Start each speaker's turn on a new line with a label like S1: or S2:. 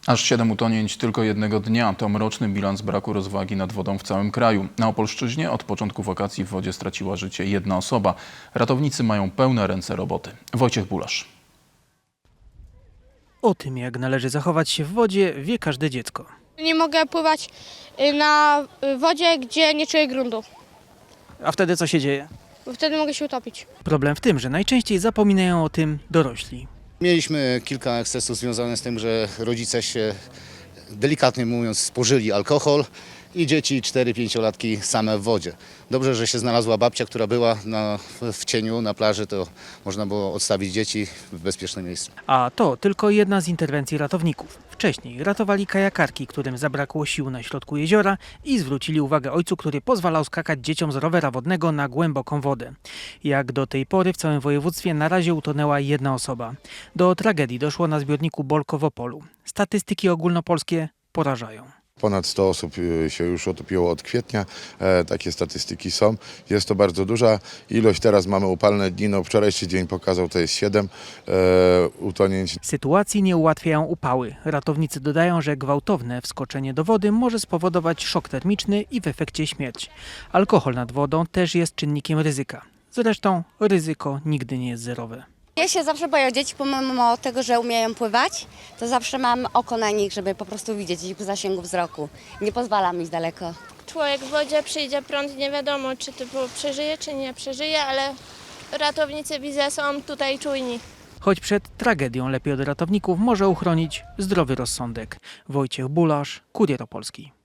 S1: Aż 7 utonięć tylko jednego dnia to mroczny bilans braku rozwagi nad wodą w całym kraju. Na Opolszczyźnie od początku wakacji w wodzie straciła życie jedna osoba. Ratownicy mają pełne ręce roboty. Wojciech Bulasz.
S2: O tym, jak należy zachować się w wodzie, wie każde dziecko.
S3: Nie mogę pływać na wodzie, gdzie nie czuję gruntu,
S2: A wtedy co się dzieje?
S3: bo wtedy mogę się utopić.
S2: Problem w tym, że najczęściej zapominają o tym dorośli.
S4: Mieliśmy kilka ekscesów związanych z tym, że rodzice się, delikatnie mówiąc, spożyli alkohol i dzieci 4-5-latki same w wodzie. Dobrze, że się znalazła babcia, która była w cieniu na plaży, to można było odstawić dzieci w bezpieczne miejsce.
S2: A to tylko jedna z interwencji ratowników. Wcześniej ratowali kajakarki, którym zabrakło sił na środku jeziora i zwrócili uwagę ojcu, który pozwalał skakać dzieciom z rowera wodnego na głęboką wodę. Jak do tej pory w całym województwie na razie utonęła jedna osoba. Do tragedii doszło na zbiorniku Bolko w Opolu. Statystyki ogólnopolskie porażają.
S5: Ponad 100 osób się już utopiło od kwietnia, takie statystyki są. Jest to bardzo duża ilość, teraz mamy upalne dni, wczorajszy dzień pokazał, to jest 7 utonięć.
S2: Sytuacji nie ułatwiają upały. Ratownicy dodają, że gwałtowne wskoczenie do wody może spowodować szok termiczny i w efekcie śmierć. Alkohol nad wodą też jest czynnikiem ryzyka. Zresztą ryzyko nigdy nie jest zerowe.
S6: Ja się zawsze boję dzieci, pomimo tego, że umieją pływać, to zawsze mam oko na nich, żeby po prostu widzieć ich w zasięgu wzroku. Nie pozwalam iść daleko.
S7: Człowiek w wodzie, przyjdzie prąd, nie wiadomo czy typu przeżyje, czy nie przeżyje, ale ratownicy widzę są tutaj czujni.
S2: Choć przed tragedią lepiej od ratowników może uchronić zdrowy rozsądek. Wojciech Bulasz, Kurier Opolski.